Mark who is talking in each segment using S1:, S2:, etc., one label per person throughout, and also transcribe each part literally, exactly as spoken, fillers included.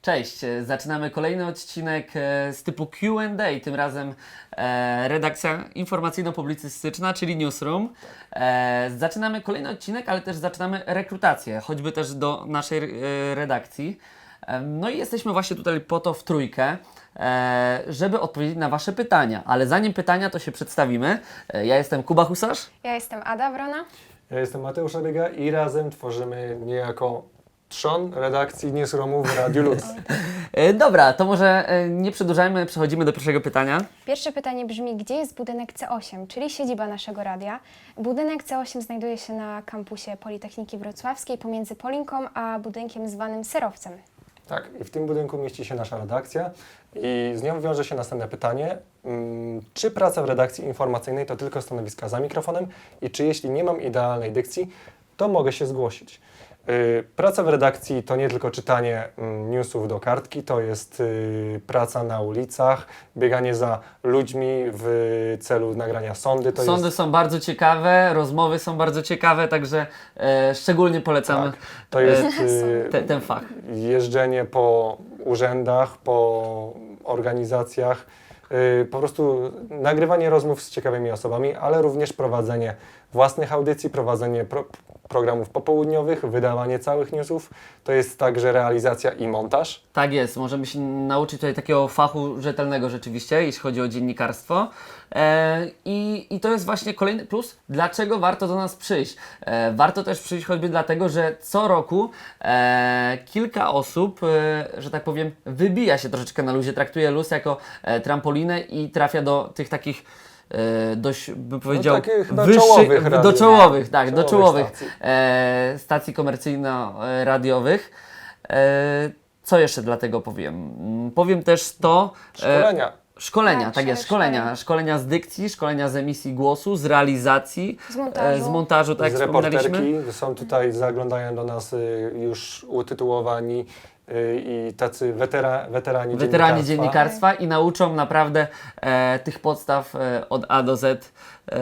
S1: Cześć, e, zaczynamy kolejny odcinek e, z typu Q and A, tym razem e, redakcja informacyjno-publicystyczna, czyli Newsroom. E, zaczynamy kolejny odcinek, ale też zaczynamy rekrutację, choćby też do naszej e, redakcji. E, no i jesteśmy właśnie tutaj po to w trójkę, e, żeby odpowiedzieć na Wasze pytania, ale zanim pytania, to się przedstawimy. E, ja jestem Kuba Husarz.
S2: Ja jestem Ada Wrona.
S3: Ja jestem Mateusz Abiega i razem tworzymy niejako trzon redakcji Newsroomu w Radiu Luz.
S1: E, dobra, to może e, nie przedłużajmy, przechodzimy do pierwszego pytania.
S2: Pierwsze pytanie brzmi, gdzie jest budynek C osiem, czyli siedziba naszego radia? Budynek C osiem znajduje się na kampusie Politechniki Wrocławskiej pomiędzy Polinką a budynkiem zwanym Serowcem.
S3: Tak, i w tym budynku mieści się nasza redakcja i z nią wiąże się następne pytanie. Hmm, czy praca w redakcji informacyjnej to tylko stanowiska za mikrofonem i czy jeśli nie mam idealnej dykcji, to mogę się zgłosić? Yy, praca w redakcji to nie tylko czytanie mm, newsów do kartki, to jest yy, praca na ulicach, bieganie za ludźmi w celu nagrania sądy. To
S1: Sądy
S3: jest,
S1: są bardzo ciekawe, rozmowy są bardzo ciekawe, także e, szczególnie polecamy
S3: tak, to jest
S1: e,
S3: yy,
S1: te, ten fach.
S3: jeżdżenie po urzędach, po organizacjach, yy, po prostu nagrywanie rozmów z ciekawymi osobami, ale również prowadzenie własnych audycji, prowadzenie pro, programów popołudniowych, wydawanie całych newsów. To jest także realizacja i montaż.
S1: Tak jest, możemy się nauczyć tutaj takiego fachu rzetelnego rzeczywiście, jeśli chodzi o dziennikarstwo. E, i, I to jest właśnie kolejny plus, dlaczego warto do nas przyjść. E, warto też przyjść choćby dlatego, że co roku e, kilka osób, e, że tak powiem, wybija się troszeczkę na luzie, traktuje luz jako e, trampolinę i trafia do tych takich e, dość, bym powiedział,
S3: takich chyba
S1: wyższych,
S3: czołowych
S1: do
S3: radiów.
S1: czołowych, tak, do
S3: Czołowych
S1: czołowych
S3: stacji.
S1: e, stacji komercyjno-radiowych. E, co jeszcze dlatego powiem? Mm, Powiem też to... e,
S3: Szkolenia.
S1: Szkolenia,
S2: Tak,
S1: tak jest,
S2: szkolenia.
S1: szkolenia. Szkolenia z dykcji, szkolenia z emisji głosu, z realizacji,
S2: Z montażu.
S1: e, z montażu, tak
S3: z
S1: jak wspominaliśmy.
S3: reporterki. Są tutaj, zaglądają do nas y, już utytułowani y, i tacy wetera, weterani,
S1: Weterani
S3: dziennikarstwa.
S1: dziennikarstwa i nauczą naprawdę e, tych podstaw e, od A do Z. E,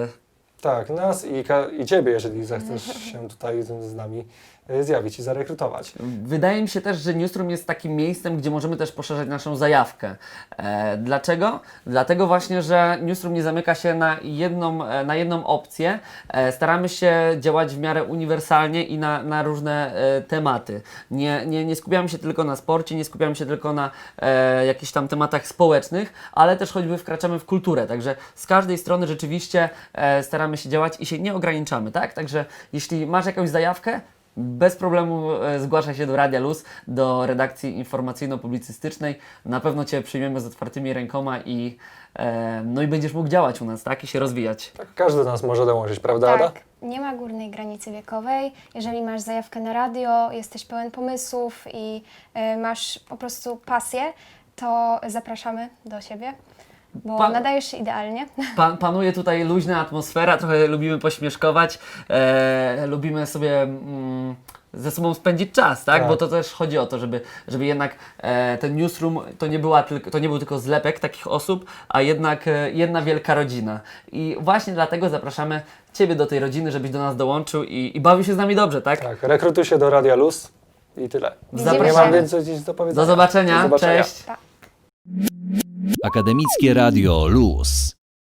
S3: Tak, nas i, ka- i Ciebie, jeżeli zechcesz się tutaj z, z nami y, zjawić i zarekrutować.
S1: Wydaje mi się też, że Newsroom jest takim miejscem, gdzie możemy też poszerzać naszą zajawkę. E, dlaczego? Dlatego właśnie, że Newsroom nie zamyka się na jedną, e, na jedną opcję. E, staramy się działać w miarę uniwersalnie i na, na różne e, tematy. Nie, nie, nie skupiamy się tylko na sporcie, nie skupiamy się tylko na e, jakichś tam tematach społecznych, ale też choćby wkraczamy w kulturę. Także z każdej strony rzeczywiście e, staramy się działać i się nie ograniczamy, tak? Także jeśli masz jakąś zajawkę, bez problemu e, zgłaszaj się do Radia Luz, do redakcji informacyjno-publicystycznej. Na pewno Cię przyjmiemy z otwartymi rękoma i, e, no i będziesz mógł działać u nas, tak? I się rozwijać.
S3: Tak, każdy z nas może dołączyć, prawda, Ada?
S2: Tak, nie ma górnej granicy wiekowej. Jeżeli masz zajawkę na radio, jesteś pełen pomysłów i y, masz po prostu pasję, to zapraszamy do siebie, bo
S1: Pan-
S2: nadajesz się idealnie.
S1: Pan, panuje tutaj luźna atmosfera, trochę lubimy pośmieszkować, e, lubimy sobie mm, ze sobą spędzić czas, tak?
S3: Tak.
S1: Bo to też chodzi o to, żeby, żeby jednak e, ten newsroom to nie, była tylko, to nie był tylko zlepek takich osób, a jednak e, jedna wielka rodzina. I właśnie dlatego zapraszamy Ciebie do tej rodziny, żebyś do nas dołączył i, i bawił się z nami dobrze, tak?
S3: Tak, rekrutuj się do Radia Luz i tyle.
S2: Widzimy
S3: Nie
S2: się.
S3: mam więcej nic do powiedzenia.
S1: Do zobaczenia,
S3: Do zobaczenia.
S1: cześć!
S2: Pa.
S4: Akademickie Radio Luz.